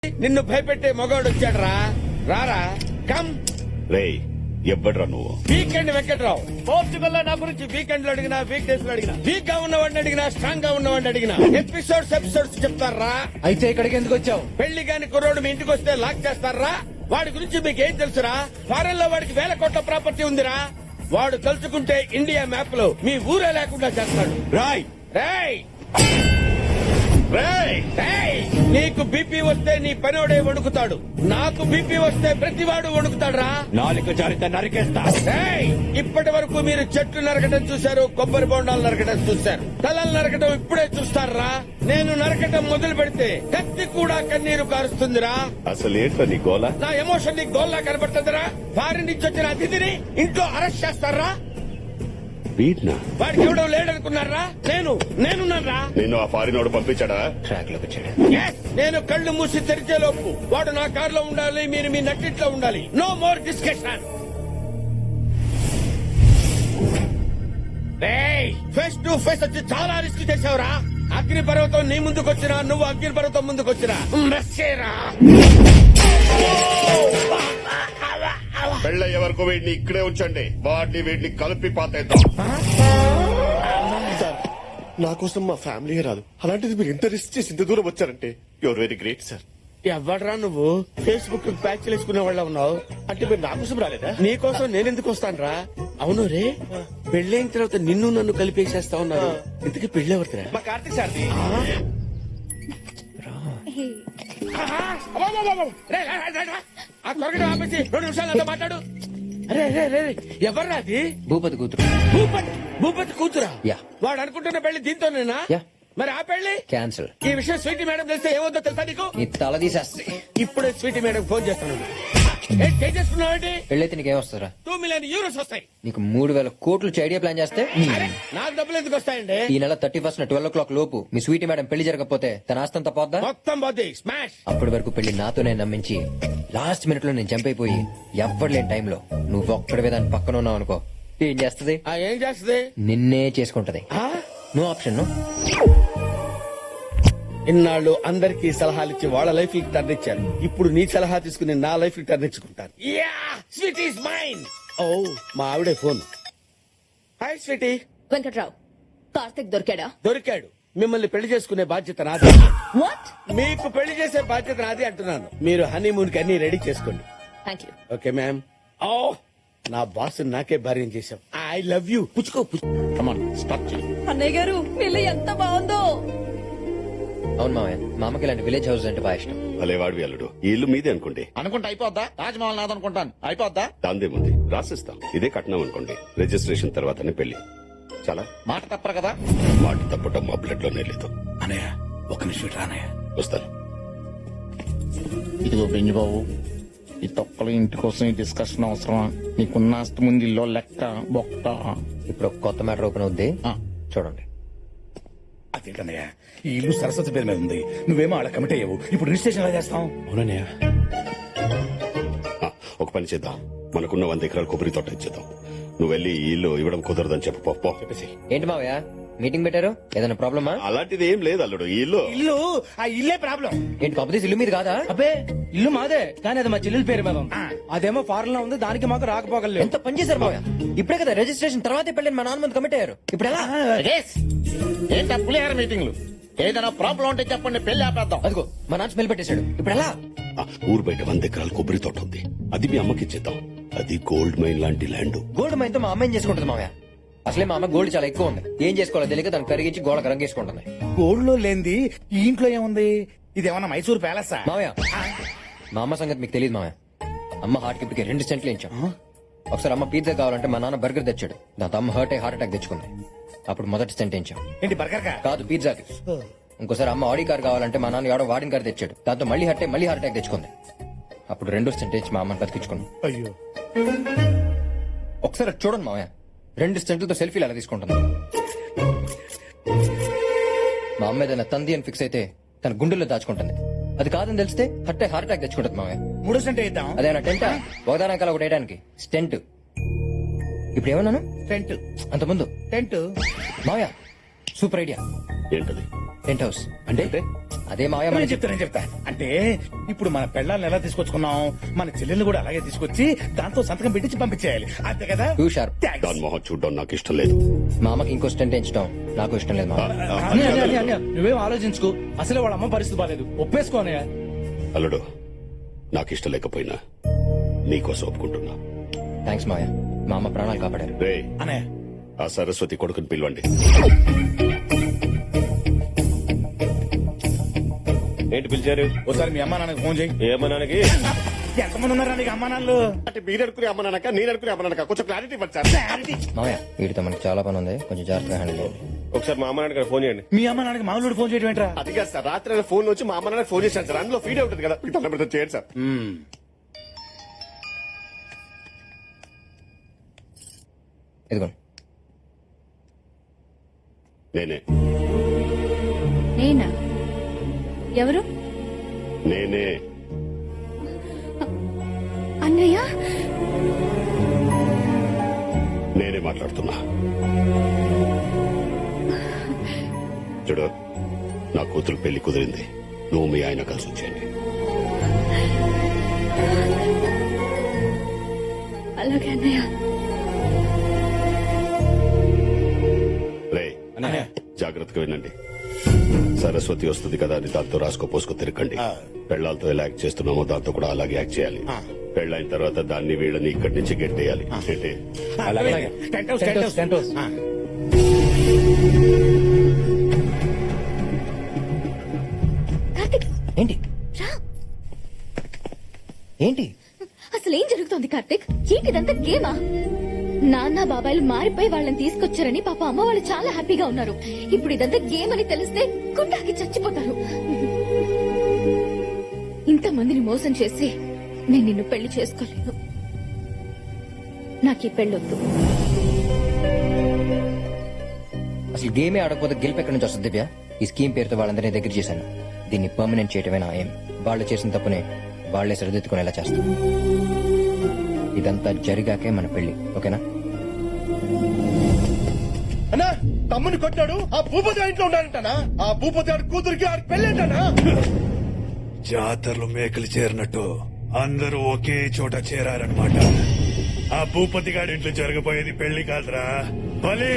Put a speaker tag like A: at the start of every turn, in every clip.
A: నిన్ను భయపెట్టే మగవాడు వచ్చాడు రారా కమ్.
B: రేయ్ ఎవ్వడ్రా నువ్వు?
A: వీకెండ్ వెంకట్రావు. పోర్చుగల్ లో నా గురించి వీకెండ్ లో అడిగినా, వీక్ డేస్ లో అడిగినా, వీక్ గా ఉన్నవాడిని అడిగినా, స్ట్రాంగ్ గా ఉన్నవాడిని అడిగినా ఎపిసోడ్స్ చెప్తారా?
C: అయితే ఇక్కడికి ఎందుకు వచ్చావు?
A: పెళ్లి కాని కుర్రోడు మీ ఇంటికి వస్తే లాక్ చేస్తారా? వాడి గురించి మీకేం తెలుసురా? ఫారెన్ లో వాడికి 1000 కోట్ల ప్రాపర్టీ ఉందిరా. వాడు తలుచుకుంటే ఇండియా మ్యాప్ లో మీ ఊరే లేకుండా చేస్తాడు.
B: రాయ్
A: రేయ్
B: రేయ్
A: రేయ్, నీకు బీపీ వస్తే నీ పనోడే వణుకుతాడు. నాకు బీపీ వస్తే ప్రతివాడు వణుకుతాడురా.
B: నాలుక జారిత నరికేస్తా.
A: రేయ్, ఇప్పటి వరకు మీరు చెట్లు నరకడం చూశారు, కొబ్బరి బొండాలు నరకడం చూశారు, తలలు నరకడం ఇప్పుడే చూస్తారా? నేను నరకడం మొదలు పెడితే కత్తి కూడా కన్నీరు కారుస్తుందిరా.
B: అసలు ఏంట్రా నీ గోల?
A: నా ఎమోషన్ నీ గోల్లా కనబడుతుందిరా. ఫారిన్ నుంచి వచ్చిన అతిథిని ఇంట్లో అరెస్ట్ చేస్తారా?
B: వీడ్నా?
A: వాడికి ఎవడో లేడనుకున్నారా? నేనున్నారా?
B: నిన్ను ఆ ఫారినోడు పంపించాడా?
C: ట్రాక్ లోకి వచ్చాడు.
A: Yes, నేను కళ్ళు మూసి తెరిచే లోపు వాడు నా కారులో ఉండాలి, మీరు మీ నట్టిట్లో ఉండాలి. No more discussion. Face to face వచ్చి చాలా రిస్క్ చేసావురా. అగ్ని పర్వతం నీ ముందుకొచ్చినా, నువ్వు అగ్ని పర్వతం ముందుకొచ్చినా మెస్సేరా.
B: పెళ్ళయ్యే వరకు వీడిని ఇక్కడే ఉంచండి. వీడిని కలిపి పాతేద్దాం.
D: సార్, నా కోసం మా ఫ్యామిలీ రాదు, అలాంటిది మీరు ఇంత రిస్క్ చేసి ఇంత దూరం వచ్చారంటే యువర్ వెరీ గ్రేట్ సార్.
A: ఎవడరా నువ్వు? ఫేస్బుక్ ప్యాచ్ చేసుకునే వాళ్ళ ఉన్నావు.
D: అంటే మీరు నా కోసం రాలేదా?
A: నీ కోసం నేనెందుకు వస్తానురా? అవును రే, పెళ్ళైన తర్వాత నిన్ను నన్ను కలిపేసేస్తా ఉన్నారు. ఇంతకీ పెళ్ళెవరిదిరా?
D: మా కార్తీక్ సార్ది.
A: ఆ త్వరగా ఆపేసి 2 నిమిషాలు నాతో మాట్లాడు. అరే రే రే, ఎవర్రా అది?
C: భూపతి కూతురు.
A: భూపతి కూతురా?
C: యా.
A: వాడు అనుకుంటున్న పెళ్లి దీంతోనేనా?
C: యా.
A: మరి ఆ పెళ్లి
C: క్యాన్సిల్.
A: ఈ విషయం స్వీటీ మేడం తెలిస్తే ఏమవుతుందో తెలుసా నీకు?
C: నీ తల తీసేస్తే.
A: ఇప్పుడే స్వీటీ మేడం ఫోన్ చేస్తాను. చేసుకున్నావండి?
C: పెళ్ళైతే నీకేం వస్తుందిరా?
A: 2 మిలియన్ యూరోస్ వస్తాయి.
C: నీకు 3000 కోట్లు ఐడియా ప్లాన్ చేస్తే
A: అరే, నాకు డబ్బులు ఎందుకు వస్తాయండి?
C: ఈ నెల 31 12 o'clock లోపు మీ స్వీటీ మేడం పెళ్లి జరగకపోతే తన ఆస్తంతా పోద్దా?
A: మొత్తం పోతే స్మాష్.
C: అప్పటి వరకు పెళ్లి నాతోనే నమ్మించి లాస్ట్ మినిట్ లో నేను చంపైపోయి ఎవ్వరు లేని టైంలో నువ్వు ఒక్కడివే దాని పక్కన ఉన్నావు అనుకో, ఏం చేస్తది?
A: ఏం చేస్తుంది?
C: నిన్నే చేసుకుంటది. No option. నో.
A: ఇన్నాళ్ళు అందరికీ సలహాలు ఇచ్చి వాళ్ళ లైఫ్ కి టర్న్ ఇచ్చారు. ఇప్పుడు నీ సలహా తీసుకుని నా లైఫ్ కి టర్న్ ఇచ్చుకుంటాను. Sweet is mine. ఓ, మా ఆవిడే phone. Hi sweetie.
E: Venkatrao, Karthik దొరికాడా?
A: దొరికాడు. మిమ్మల్ని పెళ్లి చేసుకునే బాధ్యత నాది.
E: వాట్?
A: మీకు పెళ్లి చేసే బాధ్యత నాది అంటున్నాను. మీరు హనీమూన్ కి అన్ని రెడీ చేసుకోండి.
E: Thank you.
A: Okay ma'am. ఓ, నా బాస్ నాకే భార్యం చేశాం. I love you. పుచ్చుకో.
E: అన్నయ్య గారు, పిల్ల ఎంత బాగుందో.
C: అవును మామయ్య, మా అమ్మకి ఇలాంటి విలేజ్ హౌస్ అంటే బాగా ఇష్టం.
B: అలే వాడివి అల్లుడు, ఈ ఇల్లు మీదే అనుకోండి.
F: అనుకుంటే అయిపోద్దా? తాజ్మహల్ నాదనుకుంటాను, అయిపోద్దా?
B: దాందేముంది, రాసిస్తాం. ఇదే కట్నం అనుకోండి. రిజిస్ట్రేషన్ తర్వాతనే పెళ్లి. చాలా
F: మాట తప్పరు కదా?
B: మాట తప్పటం మా బ్లడ్ లోనే లేదు.
F: అనయ్య, ఒక నిమిషం రానయ్య.
B: వస్తాను.
F: ఇదిగో బెంజి బాబు, ఈ తొక్కలు ఇంటి కోసం ఈ డిస్కషన్ అవసరమా? నీకున్న ఆస్తి ముందు ఇల్లు లెక్క బొక్క.
C: ఇప్పుడు ఒక కొత్త మ్యాటర్ ఓపెన్ అవుద్ది, చూడండి.
F: అదేంటన్నయ్య, ఈ ఇల్లు సరస్వతి పేరు మీద ఉంది, నువ్వేమో అలా కమిట్ అయ్యావు. ఇప్పుడు రిజిస్ట్రేషన్ ఎలా చేస్తాం?
D: అవునన్నయ్య.
B: ఒక పని చేద్దాం, మనకున్న 100 ఎకరాల కొబ్బరి తోట ఇచ్చేద్దాం. నువ్వు వెళ్ళి ఈ ఇల్లు ఇవ్వడం కుదరదని చెప్పు. పో. చెప్పేసి.
C: ఏంటి మావయ్య మీటింగ్ పెట్టారు? ఏదైనా ప్రాబ్లమా?
B: అలాంటిది ఏం లేదు అల్లుడు. ఈ ఇల్లు
F: ఆ ఇల్లే ప్రాబ్లం.
C: ఏంటి కాకపోతే ఇల్లు మీద కాదా?
G: అబ్బే, ఇల్లు మాదే, కానీ అది మా చెల్లెల పేరు మీద ఉంది. అదేమో ఫారెన్ లో ఉంది, దానికి మాకు రాకపోగలేదు.
C: ఎంత పని చేశారు మావయ్య? ఇప్పుడే కదా రిజిస్ట్రేషన్ తర్వాతే పెళ్ళని మా నాన్న ముందు కమిట్ అయ్యారు. ఇప్పుడు ఎలా?
F: ఏంటా పులిహార మీటింగ్లు? ఏదైనా ప్రాబ్లం ఉంటే చెప్పండి, పెళ్లి ఆపేద్దాం.
C: అదిగో మా నాన్న స్మెల్ పెట్టేశాడు. ఇప్పుడు ఎలా?
B: ఊరు బయట 100 ఎకరాల కొబ్బరి తోట ఉంది, అది మీ అమ్మకి ఇచ్చేద్దాం. అది గోల్డ్ మైన్ లాంటి ల్యాండ్.
C: గోల్డ్ మైన్ తో మా అమ్మ ఏం చేసుకుంటుంది మావయ్య? అసలే మా అమ్మ గోల్డ్ చాలా ఎక్కువ ఉంది, ఏం చేసుకోవాలో తెలియక దాన్ని కరిగించి గోడకు రంగేసుకుంటుంది.
F: గోల్డ్ లో లేనిది ఈ ఇంట్లో ఏముంది? ఇదేమన్నా మైసూర్ ప్యాలెస్?
C: మావయ్య, మా అమ్మ సంగతి మీకు తెలియదు మావయ్య. అమ్మ హార్ట్ కి 2 సెంట్లు ఇచ్చాం. ఒకసారి అమ్మ పిజ్జా కావాలంటే మా నాన్న బర్గర్ తెచ్చాడు, దాంతో అమ్మ హార్ట్ అటాక్ తెచ్చుకుంది. అప్పుడు మొదటి సెంట్ ఇచ్చాం.
F: ఏంటి బర్గర్
C: కాదు, పిజ్జాకి. ఇంకోసారి అమ్మ ఆడి కార్ కావాలంటే మా నాన్న ఎవడో వాడిన కార్ తెచ్చాడు, దాంతో మళ్ళీ హార్ట్ అటాక్ తెచ్చుకుంది. అప్పుడు 2 సెంట్ ఇచ్చి మా అమ్మని బతికించుకున్నాం.
F: అయ్యో,
C: ఒకసారి అటు చూడండి మావయ్య, 2 సెంట్లతో సెల్ఫీలు ఎలా తీసుకుంటుంది. మా అమ్మ ఏదైనా తంది అని ఫిక్స్ అయితే తన గుండెల్లో దాచుకుంటుంది. అది కాదని తెలిస్తే హార్ట్ అటాక్ తెచ్చుకుంటుంది మావయ్య.
F: 3 సెంట్ ఇద్దాం.
C: అదేనా టెంట్? ఒకదానకాల ఒకటి వేయడానికి స్టెంట్. ఇప్పుడు ఏమన్నాను?
F: టెంట్.
C: అంతకుముందు
F: టెంట్.
C: మావయ్య, సూపర్ ఐడియా.
B: ఏంటది?
C: టెంట్ హౌస్
F: అంటే
C: అదే మావయ్య
F: నేను
C: మనకి
F: చెప్తా అంటే ఇప్పుడు మన పెళ్ళాలను ఎలా తీసుకొచ్చుకున్నాం మన చెల్లెల్ని కూడా అలాగే తీసుకొచ్చి దాంతో సంతకం పెట్టించి పంపించేయాలి అంతే కదా
C: టూ షార్ప్.
F: Thanks.
B: దాని మొహం చూడడం నాకు ఇష్టం లేదు.
C: మా అమ్మకి ఇంకో స్టెంట్ వేయించడం నాకు ఇష్టం లేదు మావయ్య.
G: అన్నయ్య, అన్నయ్య, అన్నయ్య, అన్నయ్య, నువ్వేం ఆలోచించుకో. అసలే వాళ్ళ అమ్మ పరిస్థితి బాగాలేదు. ఒప్పేసుకో అన్నయ్య.
B: అల్లుడు నాకు ఇష్టం లేకపోయినా నీకోసం ఒప్పుకుంటున్నా.
C: థ్యాంక్స్ మావయ్య, మా అమ్మ ప్రాణాలు కాపాడారు.
B: రే
F: అన్నయ్య
B: ఆ సరస్వతి కొడుకుని పిలవండి.
H: ఏంటి పిలిచారు?
F: ఒకసారి మీ అమ్మా నాన్నకి ఫోన్ చేయి.
H: ఏమన్నానికి?
F: ఎంతమంది ఉన్నారా నీకు అమ్మా నాన్నలు?
D: అంటే మీరు అనుకునే అమ్మనక నేను అనుకునే అమ్మనక కొంచెం క్లారిటీ ఇవ్వండి సార్.
C: మావయ్య వీటితో మనకి చాలా పని ఉంది, కొంచెం జాగ్రత్తగా హ్యాండిల్ చేయండి.
H: ఒకసారి మా అమ్మ నాన్నకి ఫోన్ చేయండి.
F: మీ అమ్మ నాన్నకి మామూలు ఫోన్ చేయడం ఏంట్రా?
D: అది కాదు సార్, రాత్రి ఫోన్ వచ్చి మా అమ్మ నాన్న ఫోన్ చేశాను సార్. అందులో ఫీడ్ అవుతుంది కదా, మీకు తొందర పెడితే చేయండి సార్.
C: ఇదిగోండి.
B: నేనే
E: నేనా? ఎవరు?
B: నేనే
E: అన్నయ్య?
B: నేనే మాట్లాడుతున్నా. చూడు, నా కూతురు పెళ్లి కుదిరింది. నువ్వు మీ ఆయన కలిసి వచ్చేయండి.
E: అలాగే అన్నయ్య.
B: రే జాగ్రత్తగా వినండి. సరస్వతి వస్తుంది కదా అని దాంతో రాసుకో పోసుకో తిరగండి. పెళ్లాలతో ఎలా యాక్ట్ చేస్తున్నామో దాంతో కూడా అలాగే యాక్ట్ చేయాలి. పెళ్ళైన తర్వాత దాన్ని వీళ్ళని ఇక్కడి నుంచి గెట్టేయాలి. గెట్టే
F: అలాగే. Tent house, tent house, tent house.
E: Karthik,
C: ఏంటి
E: రా.
C: ఏంటి
E: అసలు ఏం జరుగుతోంది కార్తిక్? ఏంటిదంతా గేమా? నాన్న బాబాయిలు మారిపోయి వాళ్ళని తీసుకొచ్చారని పాప అమ్మ వాళ్ళు చాలా హ్యాపీగా ఉన్నారు. ఇప్పుడు ఇదంతా గేమ్ అని తెలిస్తే గుండాకి చచ్చిపోతారు. ఇంతమందిని మోసం చేసి నేను నిన్ను పెళ్లి చేసుకోలేను. నాకు ఈ పెళ్ళొద్దు.
C: అసలు గేమే ఆడకపోతే గెలుపు ఎక్కడి నుంచి వస్తుంది దివ్య? ఈ స్కీమ్ పేరుతో వాళ్ళందరినీ దగ్గర చేశాను. దీన్ని పర్మనెంట్ చేయటమే నా ఏం. వాళ్ళు చేసిన తప్పునే వాళ్లే సరిదిద్దుకునేలా చేస్తాం. ఇదంతా జరిగాకే మన పెళ్లి, ఓకేనా?
D: అన్నా తమ్ముని కొట్టాడు, ఆ భూపతి ఇంట్లో ఉన్నాడంటనా? ఆ భూపతి ఆడి కూతురికి ఆడి పెళ్ళేంటనా?
I: జాతరలో మేకలు చేరినట్టు అందరూ ఒకే చోట చేరారనమాట. ఆ భూపతి గారి ఇంట్లో జరగబోయేది పెళ్లి కాదురా, బలి.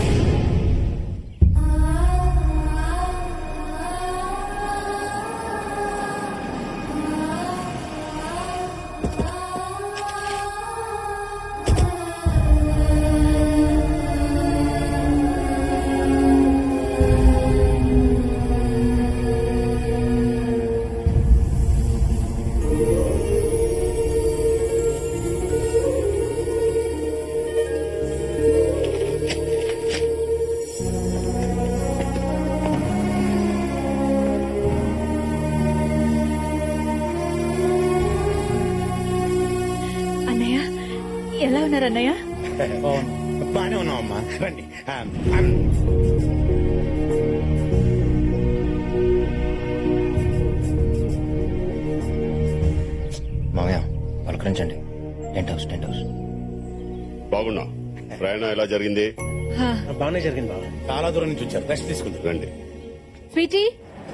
E: అన్నయ్య ఎలా ఉన్నారు అన్నయ్య?
F: బానే ఉన్నాం అమ్మా, రండి.
C: మామయ్య పలకరించండి. Tent house, tent house.
B: బాగున్నా. ప్రయాణం ఎలా జరిగింది?
F: బాగానే జరిగింది బాబు. చాలా దూరం నుంచి వచ్చారు, రెస్ట్ తీసుకుంటారు.
B: రండి.
E: స్వీటీ,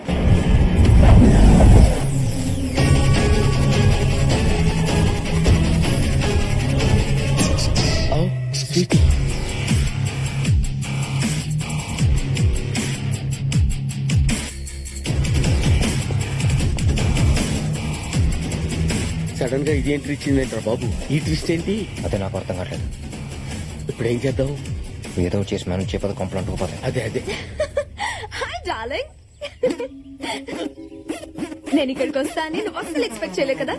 A: సడన్ గా ఇది ఎంట్రీ ఇచ్చిందంటారా బాబు? ఈ ట్విస్ట్ ఏంటి?
C: అదే నాకు అర్థం కావట్లేదు.
A: ఇప్పుడు ఏం చేద్దాం?
C: ఏదో చేసి మేనేజ్ చేయకపోతే కంప్లైంట్ అంటుకుపోతాయి.
A: అదే అదే.
E: Hi darling. నేను ఇక్కడికి వస్తానని నువ్వు అస్సలు ఎక్స్పెక్ట్ చేయలే కదా.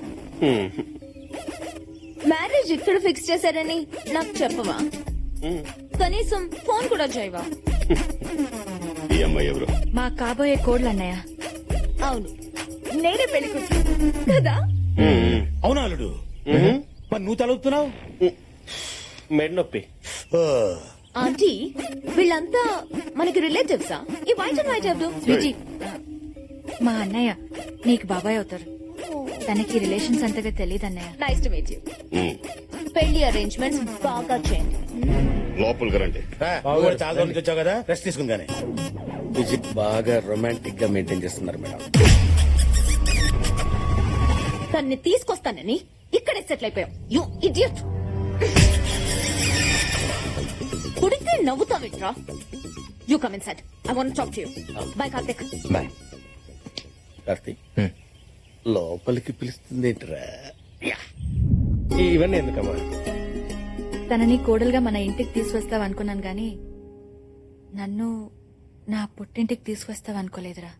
E: మ్యారేజ్ ఇక్కడ ఫిక్స్ చేశారని నాకు చెప్పవా? కనీసం ఫోన్ కూడా చేయవా?
B: ఈ అమ్మాయి ఎవరు?
E: మా కాబోయే కోడ్లు అన్నయ్య. అవును, నేనే పెళ్లి కూతురు కదా.
F: అవునా అల్లుడు? మరి నువ్వు తలుపుతున్నావు?
H: మెడ నొప్పి.
E: ఆంటీ, వీళ్ళంతా మనకి రిలేటివ్సా? ఈ వైట్ అండ్ వైట్ ఎవరు? స్వీటీ,
J: మా అన్నయ్య నీకు బాబాయ్ అవుతారు. తనకి రిలేషన్స్ అంతగా తెలియదు అన్నయ్య.
E: Nice to meet you. పెళ్లి అరేంజ్మెంట్స్ బాగా చేయండి.
B: లోపలికి రండి.
F: బాబు చాలా దూరం నుంచి వచ్చావు కదా, రెస్ట్ తీసుకుందానే.
A: విజిట్ బాగా రొమాంటిక్ గా మెయింటైన్ చేస్తున్నారు మేడం.
E: తన్ని తీసుకొస్తానని ఇక్కడే సెటిల్ అయిపోయాం. You idiot. కుడితే నవ్వుతావేంట్రా? You come inside. I want talk to you. Bye Karthik.
C: Bye.
A: Karthik లోపలికి పిలుస్తుంది ఏంట్రా?
H: ఇవన్నీ ఎందుకమ్మా?
J: తనని కోడలుగా మన ఇంటికి తీసుకొస్తావు అనుకున్నాను గాని నన్ను నా పుట్టింటికి తీసుకొస్తావు అనుకోలేదురా.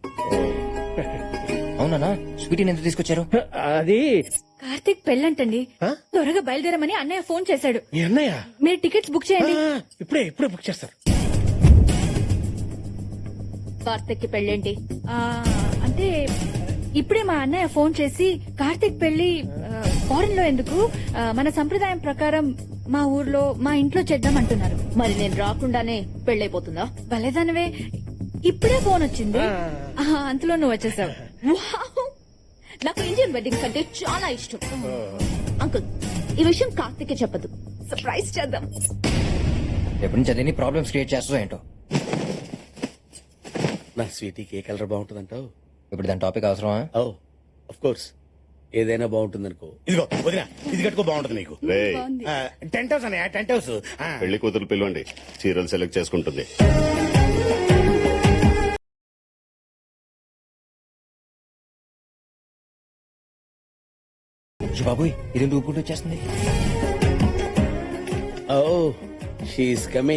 C: అవునా స్వీటీని ఎంత తీసుకొచ్చారు?
H: అది
J: కార్తీక్ పెళ్ళంటండి. త్వరగా బయలుదేరమని అన్నయ్య ఫోన్ చేశాడు.
H: మీ అన్నయ్య
J: మీరు టికెట్స్ బుక్ చేయండి.
H: ఇప్పుడే బుక్ చేస్తారు.
E: కార్తిక్ కి పెళ్ళేంటి?
J: ఆ, అంటే ఇప్పుడే మా అన్నయ్య ఫోన్ చేసి కార్తీక్ పెళ్లి ఫారెన్ లో ఎందుకు, మన సంప్రదాయం ప్రకారం మా ఊర్లో మా ఇంట్లో చేద్దాం అంటున్నారు.
E: మరి నేను రాకుండానే పెళ్ళైపోతుందా?
J: భలేదానివే, ఇప్పుడే ఫోన్ వచ్చింది. అంతలో నువ్వు వచ్చేసావు.
E: వావ్! నాకు ఇండియన్ వెడ్డింగ్స్ అంటే చాలా ఇష్టం. అంకుల్, ఈ విషయం కార్తిక్ చెప్పదు. సర్ప్రైజ్ చేద్దాం.
C: ఎప్పటి నుంచి అదేని ప్రాబ్లమ్స్ క్రియేట్ చేస్తుందో ఏంటో.
A: నా స్వీటీకి ఏ కలర్ బాగుంటుందంటావు?
C: ఇప్పుడు దాని టాపిక్ అవసరమా?
A: ఓ ఆఫ్ కోర్స్, ఏదైనా బాగుంటుందనుకో.
F: ఇదిగో వదినా, ఇది కట్టుకో బాగుంటుంది నీకు.
B: రే
F: టెంట్ హౌస్ అనే టెంట్ హౌస్.
B: పెళ్లి కూతురు పిలవండి, చీరలు సెలెక్ట్ చేసుకుంటుంది.
C: బాబోయ్, ఇదేంటి ఊపుకుంటూ వచ్చేస్తుంది?
A: Oh she is coming.